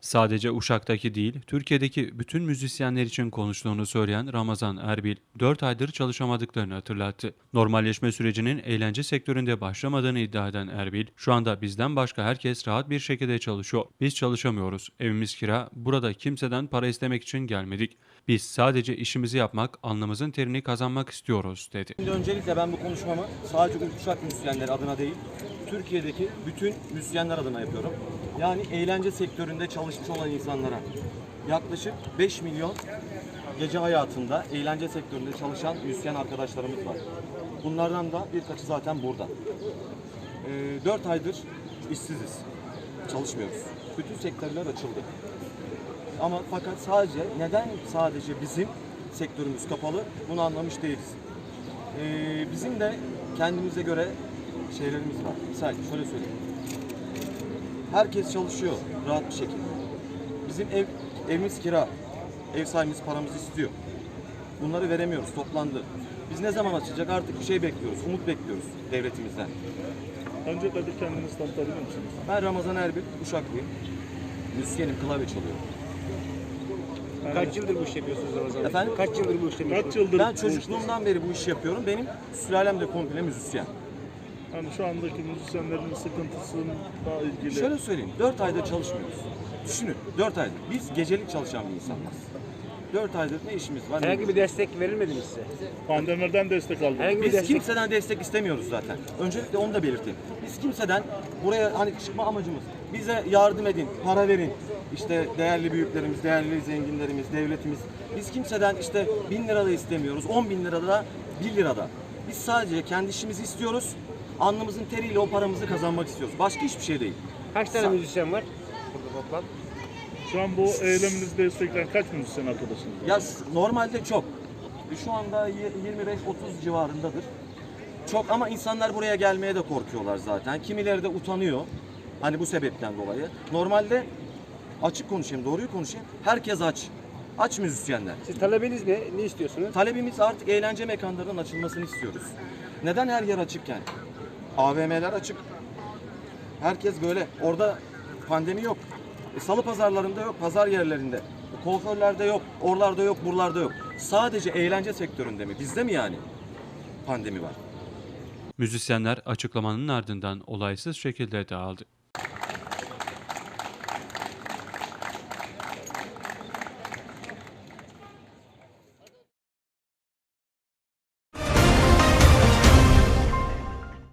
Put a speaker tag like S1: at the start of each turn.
S1: Sadece Uşak'taki değil, Türkiye'deki bütün müzisyenler için konuştuğunu söyleyen Ramazan Erbil, 4 aydır çalışamadıklarını hatırlattı. Normalleşme sürecinin eğlence sektöründe başlamadığını iddia eden Erbil, şu anda bizden başka herkes rahat bir şekilde çalışıyor. Biz çalışamıyoruz. Evimiz kira, burada kimseden para istemek için gelmedik. Biz sadece işimizi yapmak, alnımızın terini kazanmak istiyoruz, dedi.
S2: Şimdi öncelikle ben bu konuşmamı sadece Uşak müzisyenleri adına değil, Türkiye'deki bütün müzisyenler adına yapıyorum. Yani eğlence sektöründe çalışmış olan insanlara yaklaşık 5 milyon gece hayatında eğlence sektöründe çalışan müzisyen arkadaşlarımız var. Bunlardan da birkaçı zaten burada. 4 aydır işsiziz, çalışmıyoruz. Bütün sektörler açıldı. Ama fakat neden sadece bizim sektörümüz kapalı bunu anlamış değiliz. Bizim de kendimize göre şeylerimiz var. Misal şöyle söyleyeyim. Herkes çalışıyor rahat bir şekilde. Bizim evimiz kira. Ev sahibimiz paramızı istiyor. Bunları veremiyoruz. Toplandı. Biz ne zaman açacak artık bir şey bekliyoruz. Umut bekliyoruz devletimizden.
S3: Öncelikle bir kendinizi tanıtabilir misiniz?
S2: Ben Ramazan Erbil, Uşaklıyım. Müzisyenim, klavye çalıyorum.
S4: Kaç yıldır bu işi yapıyorsunuz Ramazan Bey?
S2: Efendim?
S4: Kaç yıldır bu işi yapıyorsunuz?
S3: Kaç yıldır
S2: Ben
S3: bu
S2: çocukluğumdan beri bu işi yapıyorum. Benim sülalem de komple müzisyen.
S3: Yani şu andaki müzisyenlerin sıkıntısıyla ilgili
S2: Şöyle söyleyeyim, 4 aydır çalışmıyoruz. Düşünün, 4 aydır. Biz gecelik çalışan bir insanlarız. 4 aydır ne işimiz var?
S4: Herhangi bir destek verilmedi mi size?
S3: pandemiden destek aldınız.
S4: Herhangi bir
S2: Biz
S4: destek...
S2: kimseden destek istemiyoruz zaten. Öncelikle onu da belirteyim. Biz kimseden buraya hani çıkma amacımız bize yardım edin, para verin. İşte değerli büyüklerimiz, değerli zenginlerimiz, devletimiz. Biz kimseden işte 1000 lira da istemiyoruz, 10 bin lira da 1 lira da. Biz sadece kendi işimizi istiyoruz. Alnımızın teriyle o paramızı kazanmak istiyoruz. Başka hiçbir şey değil.
S4: Kaç tane müzisyen var burada toplam?
S3: Şu an bu eyleminizi destekleyen kaç müzisyen arkadaşınız var?
S2: Ya normalde çok. Şu anda 25-30 civarındadır. Çok ama insanlar buraya gelmeye de korkuyorlar zaten. Kimileri de utanıyor. Hani bu sebepten dolayı. Normalde açık konuşayım, doğruyu konuşayım. Herkes aç. Aç müzisyenler.
S4: Siz talebiniz ne? Ne istiyorsunuz?
S2: Talebimiz artık eğlence mekanlarının açılmasını istiyoruz. Neden her yer açıkken? AVM'ler açık. Herkes böyle. Orada pandemi yok. Salı pazarlarında yok, pazar yerlerinde. Kuaförlerde yok, oralarda yok, buralarda yok. Sadece eğlence sektöründe mi? Bizde mi yani pandemi var?
S1: Müzisyenler açıklamanın ardından olaysız şekilde dağıldı.